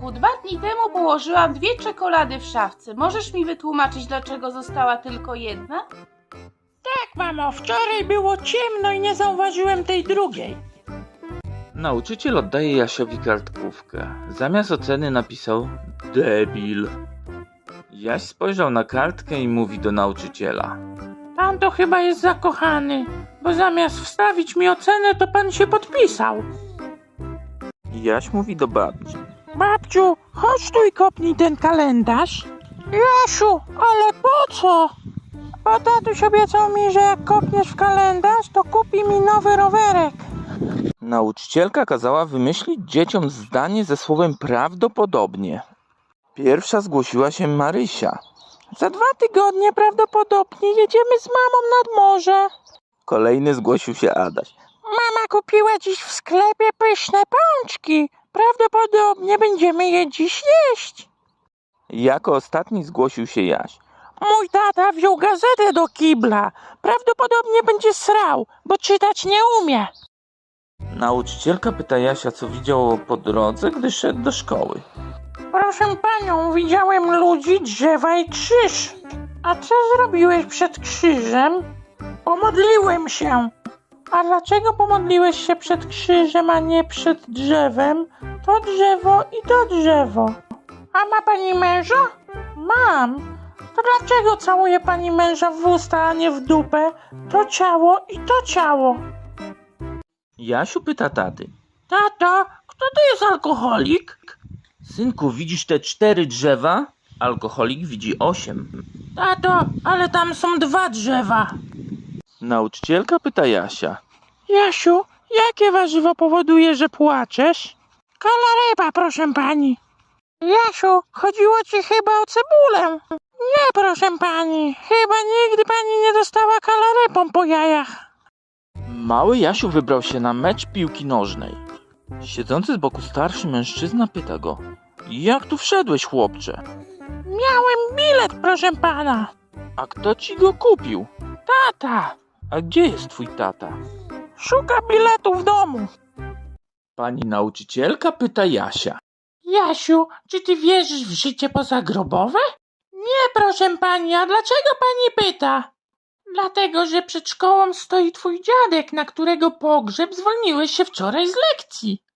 synku, 2 dni temu położyłam 2 czekolady w szafce. Możesz mi wytłumaczyć, dlaczego została tylko jedna? Tak, mamo, wczoraj było ciemno i nie zauważyłem tej drugiej. Nauczyciel oddaje Jasiowi kartkówkę. Zamiast oceny napisał debil. Jaś spojrzał na kartkę i mówi do nauczyciela. Pan to chyba jest zakochany, bo zamiast wstawić mi ocenę, to pan się podpisał. Jaś mówi do babci. Babciu, chodź tu i kopnij ten kalendarz. Jasiu, ale po co? Bo tatuś obiecał mi, że jak kopniesz w kalendarz, to kupi mi nowy rowerek. Nauczycielka kazała wymyślić dzieciom zdanie ze słowem prawdopodobnie. Pierwsza zgłosiła się Marysia. Za 2 tygodnie prawdopodobnie jedziemy z mamą nad morze. Kolejny zgłosił się Adaś. Mama kupiła dziś w sklepie pyszne pączki. Prawdopodobnie będziemy je dziś jeść. Jako ostatni zgłosił się Jaś. Mój tata wziął gazetę do kibla. Prawdopodobnie będzie srał, bo czytać nie umie. Nauczycielka pyta Jasia, co widział po drodze, gdy szedł do szkoły. Proszę panią, widziałem ludzi, drzewa i krzyż. A co zrobiłeś przed krzyżem? Pomodliłem się. A dlaczego pomodliłeś się przed krzyżem, a nie przed drzewem? To drzewo i to drzewo. A ma pani męża? Mam. To dlaczego całuje pani męża w usta, a nie w dupę? To ciało i to ciało. Jasiu pyta taty. Tato, kto to jest alkoholik? Synku, widzisz te 4 drzewa? Alkoholik widzi 8. Tato, ale tam są 2 drzewa. Nauczycielka pyta Jasia. Jasiu, jakie warzywo powoduje, że płaczesz? Kalaryba, proszę pani. Jasiu, chodziło ci chyba o cebulę. Nie, proszę pani, chyba nigdy pani nie dostała kalarybą po jajach. Mały Jasiu wybrał się na mecz piłki nożnej. Siedzący z boku starszy mężczyzna pyta go. Jak tu wszedłeś, chłopcze? Miałem bilet, proszę pana. A kto ci go kupił? Tata, A gdzie jest twój tata? szuka biletu w domu. Pani nauczycielka pyta Jasia. Jasiu, czy ty wierzysz w życie pozagrobowe? Nie, proszę pani, a dlaczego pani pyta? Dlatego, że przed szkołą stoi twój dziadek, na którego pogrzeb zwolniłeś się wczoraj z lekcji.